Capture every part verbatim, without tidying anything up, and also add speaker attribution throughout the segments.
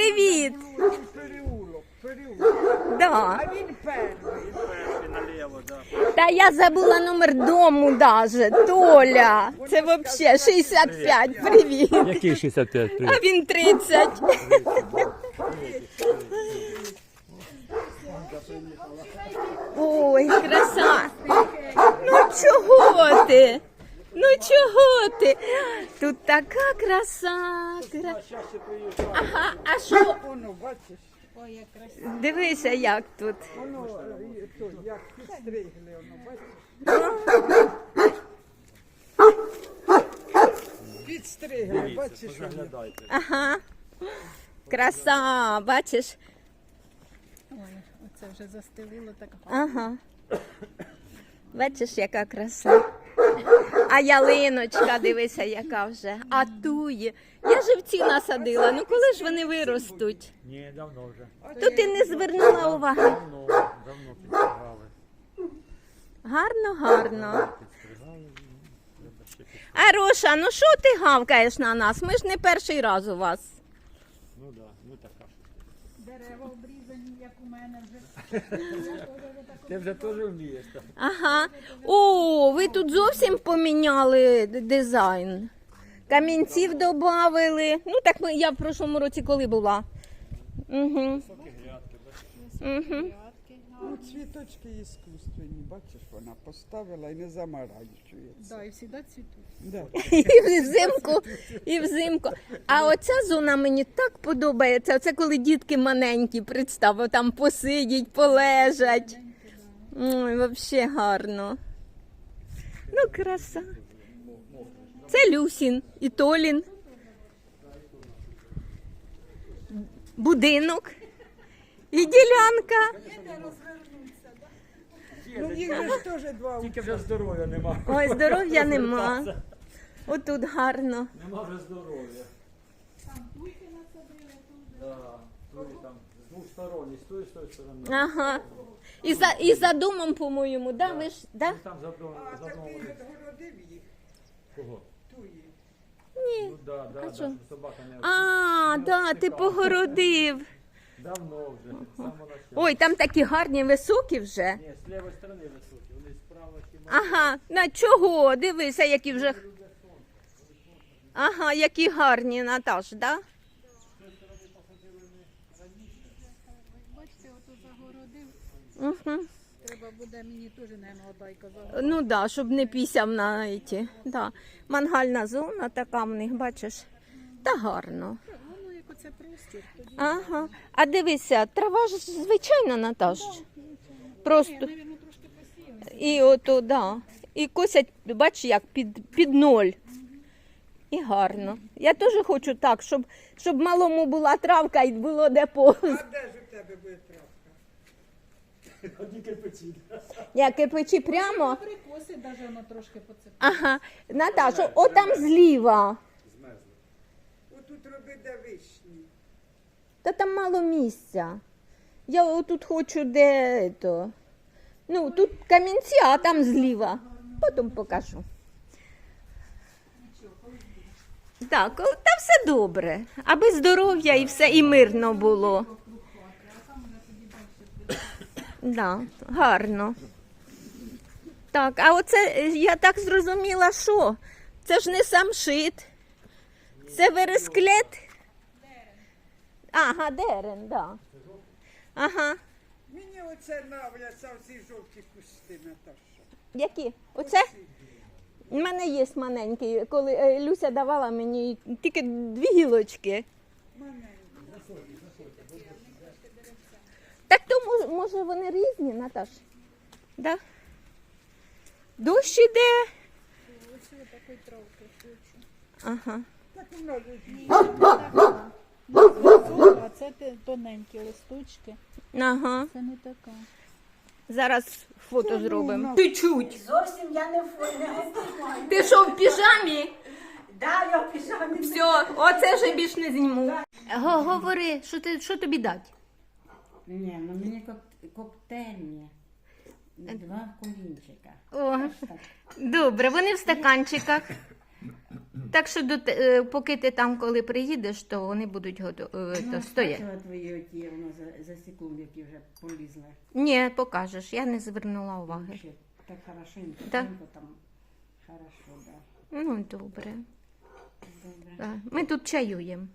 Speaker 1: привіт.
Speaker 2: Переулок, переулок.
Speaker 1: Да.
Speaker 2: А він перший.
Speaker 3: Перший наліво, да.
Speaker 1: Та я забула номер дому даже. Толя. Це взагалі шістдесят п'ять. Привіт.
Speaker 3: Який шістдесят п'ять?
Speaker 1: А він тридцять. Ой, краса. Ну чого ти? Ну чого ти? Тут така краса. Кра... Ага, а що?
Speaker 2: Воно, бачиш,
Speaker 1: Дивися, як тут.
Speaker 2: воно, е, то, як підстригли, воно, бачиш? Підстригли, бачиш, воно.
Speaker 3: Заглядайте.
Speaker 1: Ага. Краса, бачиш?
Speaker 4: Ой, оце вже застелило так.
Speaker 1: Ага. Бачиш, яка краса. А ялиночка, дивися, яка вже. А тує. Я живці насадила. Ну коли ж вони виростуть?
Speaker 3: Ні, давно вже.
Speaker 1: То ти не звернула уваги.
Speaker 3: Давно, давно підстригали.
Speaker 1: Гарно, гарно.
Speaker 3: Підстригали. Треба ще підстригати.
Speaker 1: Ароша, ну що ти гавкаєш на нас? Ми ж не перший раз у вас.
Speaker 3: Ну да, ну така.
Speaker 4: Дерева обрізані, як у мене вже.
Speaker 3: Ти вже теж вмієш, так?
Speaker 1: Ага. О, ви тут зовсім поміняли д- дизайн. Камінців додали. Ну так ми, я в прошлому році коли була. Угу. Угу.
Speaker 2: Ну, цвіточки іскусственні, бачиш, вона поставила і не замарачується.
Speaker 4: Да, і завжди цвітуть.
Speaker 2: Да.
Speaker 1: І взимку, і взимку. А оця зона мені так подобається. Оце коли дітки маленькі, представ, там посидять, полежать. Ой, взагалі гарно. Ну, краса. Це Люсін і Толін. Будинок. І ділянка.
Speaker 2: Ну, їх же ж теж два
Speaker 3: Тільки вже здоров'я нема.
Speaker 1: Ой, здоров'я нема. Отут гарно.
Speaker 3: Нема вже здоров'я. Там туйки насадили. Да, туї там з двох сторон, і з тої, і з тої сторони.
Speaker 1: Ага. І за, і за домом, по-моєму, да? Ви ж, да?
Speaker 3: Ну, там за одного,
Speaker 2: А,
Speaker 3: за
Speaker 2: так
Speaker 3: одного.
Speaker 2: ти відгородив їх,
Speaker 3: Кого?
Speaker 2: туї.
Speaker 1: Ні.
Speaker 3: Ну да, да, да,
Speaker 1: що?
Speaker 3: щоб собака не
Speaker 1: А, да, ти погородив.
Speaker 3: Давно вже, з самого начала.
Speaker 1: Ой, там такі гарні, високі вже.
Speaker 3: Ні, з лівої сторони високі, вони справа чи
Speaker 1: Ага, на чого? Дивися, які вже. Ага, які гарні, Наташ, да?
Speaker 4: Бачите, ото загородив.
Speaker 1: Угу.
Speaker 4: Треба буде мені теж, наверное, одайка загородити.
Speaker 1: Ну да, щоб не пісяв на ті. Да. Мангальна зона така в них, бачиш. Та гарно.
Speaker 4: Воно як оце простір, тоді,
Speaker 1: Ага. А дивися, трава ж звичайна, Наташ. Просто.
Speaker 4: навірно, трошки посіяно.
Speaker 1: І ото, да. І косять, бач, як під, під ноль. І гарно. Я теж хочу так, щоб, щоб малому була травка і було де по.
Speaker 2: А де ж у тебе буде травка?
Speaker 3: одні кирпичі.
Speaker 1: Я кирпичі прямо.
Speaker 4: Прикоси навіть воно трошки поцепить.
Speaker 1: Ага. Наташа, отам зліва.
Speaker 2: Отут роби де вишні.
Speaker 1: Та там мало місця. Я отут хочу де то. Ну, тут камінці, а там зліва. Потім покажу. Так, о, та все добре. Аби здоров'я і все, і мирно було. Да, гарно. Так, а оце, е, я так зрозуміла, що? Це ж не самшит. Це вересклет? Ага, дерен, да. Ага.
Speaker 2: Мені оце нравляться ці жовті кусти, Наташа.
Speaker 1: Які? Оце? У мене є маленький. Коли е, Люся давала мені тільки дві гілочки. Так то мож- може вони різні, Наташ? Да? Дощ іде.
Speaker 4: Ось я такої травки хочу.
Speaker 1: Ага.
Speaker 2: Так воно
Speaker 4: Ні, це не така. Не зв'язок, а це те- тоненькі листочки.
Speaker 1: Ага.
Speaker 4: Це не така.
Speaker 1: Зараз фото зробимо. Чуть-чуть.
Speaker 5: Зовсім я не в не готова.
Speaker 1: Ти що, в піжамі?
Speaker 5: Да, я в піжамі.
Speaker 1: Все, оце вже більш не зніму. Го- Говори, що, ти, що тобі дати?
Speaker 5: Ні, ну мені кок- коктейльні. Два колінчика.
Speaker 1: О, добре, вони в стаканчиках. Так що до, те- е, поки ти там, коли приїдеш, то вони будуть готові,
Speaker 5: Ну,
Speaker 1: то стоять.
Speaker 5: бачила твої оті, воно за, за секунду, які вже полізли.
Speaker 1: Ні, покажеш, я не звернула уваги.
Speaker 5: Ще так хорошенько,
Speaker 1: Да.
Speaker 5: тонко там. Хорошо, да.
Speaker 1: Ну, добре.
Speaker 5: Добре.
Speaker 1: Да. Ми тут чаюємо.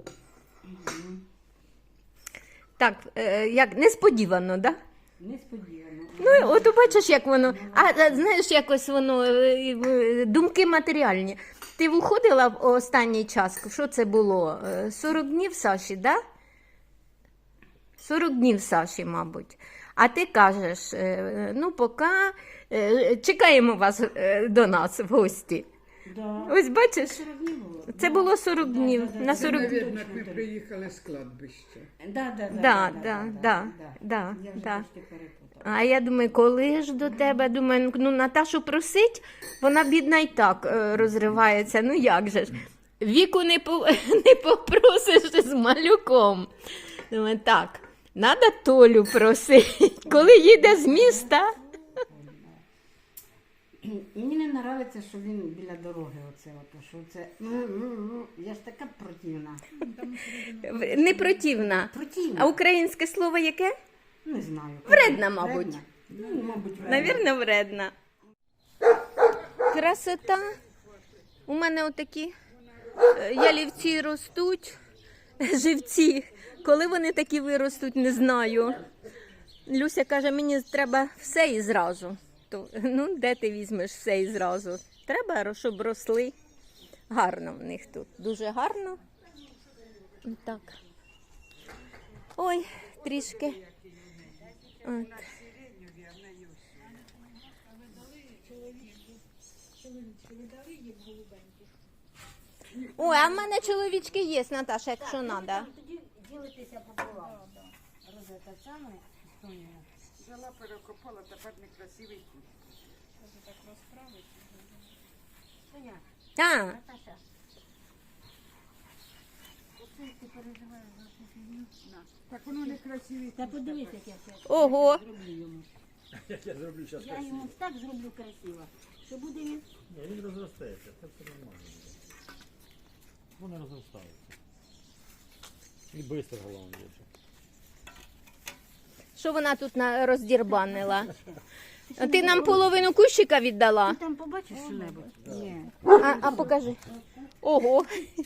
Speaker 1: Так, е, як несподівано, так? Да?
Speaker 5: Несподівано.
Speaker 1: Ну, і от бачиш, як воно. А е, знаєш, якось воно е, е, думки матеріальні. Ти виходила в останній час, що це було? Е, сорок днів Саші, да? сорок днів Саші, мабуть. А ти кажеш, е, ну, поки е, чекаємо вас е, до нас в гості.
Speaker 5: Да.
Speaker 1: Ось бачиш,
Speaker 5: сорок днів було?
Speaker 1: це було сорок днів. На
Speaker 2: Це,
Speaker 1: сорок...
Speaker 2: мабуть, як ми приїхали з кладбища.
Speaker 5: Да, да, да,
Speaker 1: Да, да, да, да,
Speaker 5: Я вже
Speaker 1: да.
Speaker 5: трошки перепутала.
Speaker 1: А я думаю, коли ж до тебе? Думаю, ну Наташу просить, вона бідна і так е, розривається. Ну як же ж? Віку не, по, не попросиш з малюком. Думаю, так, треба Толю просити. Коли їде з міста.
Speaker 5: Мені не подобається, що він біля дороги. Оце, ото, що це. Ну, ну, ну, я ж така противна.
Speaker 1: Не противна.
Speaker 5: Противна.
Speaker 1: А українське слово яке?
Speaker 5: Не знаю.
Speaker 1: Вредна, мабуть.
Speaker 5: Вредна? Ну, мабуть, вредна.
Speaker 1: Навірно, вредна. Красота. У мене отакі е, ялівці ростуть, живці. Коли вони такі виростуть, не знаю. Люся каже, мені треба все і зразу. То, ну, де ти візьмеш все і зразу? Треба, щоб росли. Гарно в них тут. Дуже гарно. Так. Ой, трішки. От. Ой, а в мене чоловічки є, Наташа, якщо треба.
Speaker 5: Тоді ділитися пополам. Розета саме.
Speaker 2: Взяла, перекопала, тепер некрасивий кут.
Speaker 5: Соня,
Speaker 1: А,
Speaker 5: Наташа. Оце ти переживаєш за цю фігню?
Speaker 2: Так воно некрасивий
Speaker 5: Та
Speaker 2: кут.
Speaker 5: подивись, як я це
Speaker 1: ого.
Speaker 5: зроблю йому.
Speaker 3: Як я зроблю зараз
Speaker 5: Я йому так зроблю красиво, що буде він.
Speaker 3: Ні, він розростається, це все нормально буде. Вони розростаються. І швидко головне дуже.
Speaker 1: Що вона тут на- роздірбанила? А ти нам половину кущика віддала?
Speaker 5: Ти там побачиш що-небудь? Ні.
Speaker 1: А, а покажи. Ого.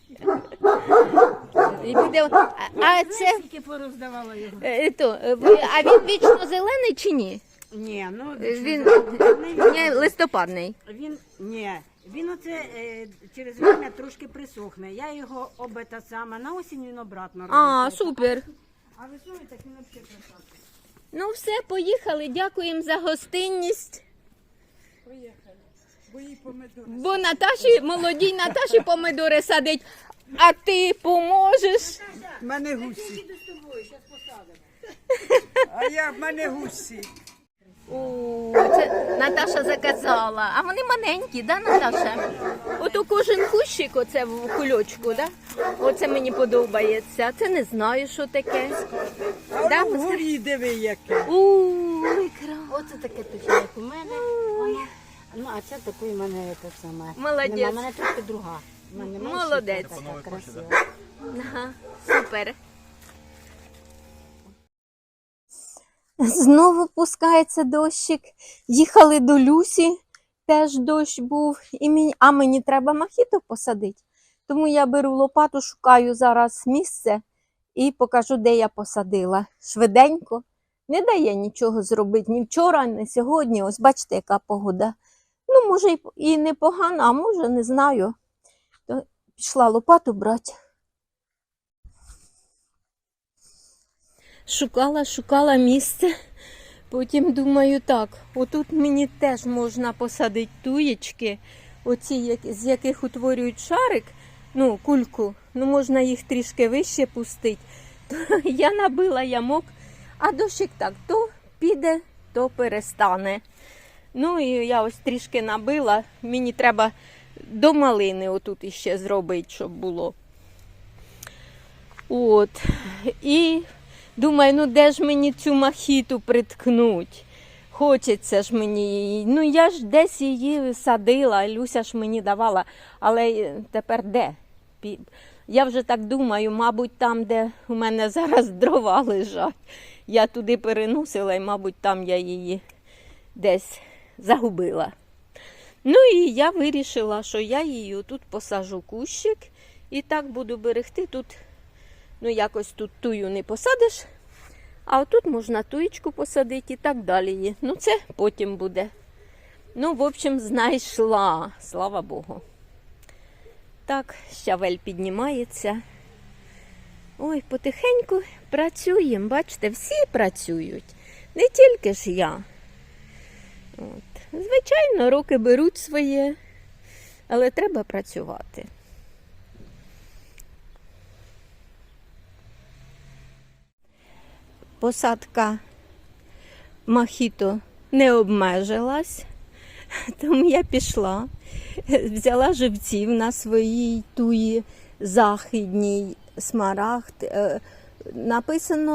Speaker 1: І буде- А, а це
Speaker 5: Скільки пороздавала його?
Speaker 1: е, то, е, ви- а він вічно зелений чи ні?
Speaker 5: Ні, ну
Speaker 1: Він
Speaker 5: він,
Speaker 1: ні, листопадний.
Speaker 5: він, ні, він оце е, через время трошки присохне. Я його обета сама, на осінь він обратно
Speaker 1: А,
Speaker 5: робить.
Speaker 1: супер.
Speaker 5: А весною так він взагалі красавчик.
Speaker 1: Ну все, поїхали. Дякуємо за гостинність.
Speaker 2: Поїхали. Бо їй помидори.
Speaker 1: Бо Наташі, молодій Наташі помидори садить, а ти поможеш.
Speaker 2: В мене гусі.
Speaker 5: Іду з тобою, зараз посадимо.
Speaker 2: А я в мене гусі.
Speaker 1: О, це Наташа заказала. А вони маленькі, да, Наташа? Ото кожен кущик оце в кульочку, да? Оце мені подобається. Це не знаю, що таке.
Speaker 2: А
Speaker 1: Да,
Speaker 2: воно вгорі диви яке.
Speaker 1: У, ікра.
Speaker 5: Оце таке точно, як у мене. Воно. Ну, а це такий у мене те саме.
Speaker 1: Молодець.
Speaker 5: Нема, у мене трохи друга. У мене менша,
Speaker 1: Молодець.
Speaker 5: така красива.
Speaker 1: Ага, супер. Знову пускається дощик. Їхали до Люсі, теж дощ був. І мені... А мені треба мохіто посадити. Тому я беру лопату, шукаю зараз місце і покажу, де я посадила. Швиденько. Не дає нічого зробити ні вчора, ні сьогодні. Ось бачите, яка погода. Ну, може, і- і непогано, а може, не знаю. То пішла лопату брати. Шукала, шукала місце. Потім думаю, так, отут мені теж можна посадити туєчки, оці, як- з яких утворюють шарик, ну, кульку, ну, можна їх трішки вище пустити. То я набила ямок, а дощик так, то піде, то перестане. Ну, і я ось трішки набила, мені треба до малини отут іще зробити, щоб було. От, і думаю, ну де ж мені цю мохіту приткнуть? хочеться ж мені її. Ну я ж десь її садила, Люся ж мені давала, але тепер де? Пі- Я вже так думаю, мабуть, там, де у мене зараз дрова лежать, я туди переносила і, мабуть, там я її десь загубила. Ну і я вирішила, що я її тут посажу кущик і так буду берегти. Тут, ну якось тут тую не посадиш, а отут можна туєчку посадити і так далі. Ну це потім буде. Ну, в общем, знайшла, слава Богу. Так, щавель піднімається. Ой, потихеньку працюємо, бачите, всі працюють, не тільки ж я. От. Звичайно, роки беруть своє, але треба працювати. Посадка мохіто не обмежилась, тому я пішла, взяла живців на своїй туї західній смарагд. Е, Написано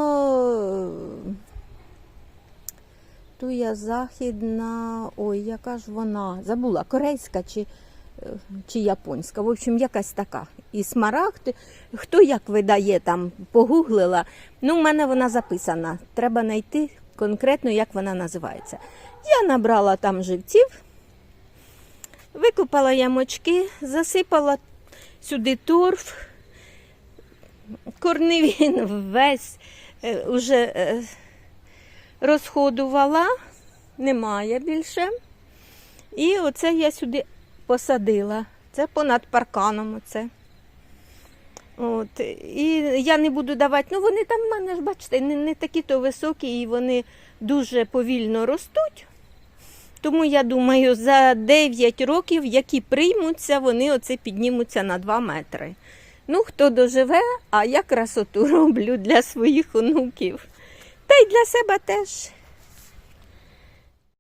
Speaker 1: туя західна, ой, яка ж вона, забула, корейська чи, чи японська, в общем, якась така. І смарагд, хто як видає, там погуглила, ну, в мене вона записана, треба знайти конкретно, як вона називається. Я набрала там живців, викопала ямочки, засипала сюди торф, корневін весь е, уже е, розходувала, немає більше. І оце я сюди посадила. Це понад парканом оце. От. І я не буду давати, ну вони там в мене ж, бачите, не, не такі то високі і вони дуже повільно ростуть. Тому я думаю, за дев'ять років, які приймуться, вони оце піднімуться на два метри. Ну, хто доживе, а я красоту роблю для своїх онуків. Та й для себе теж.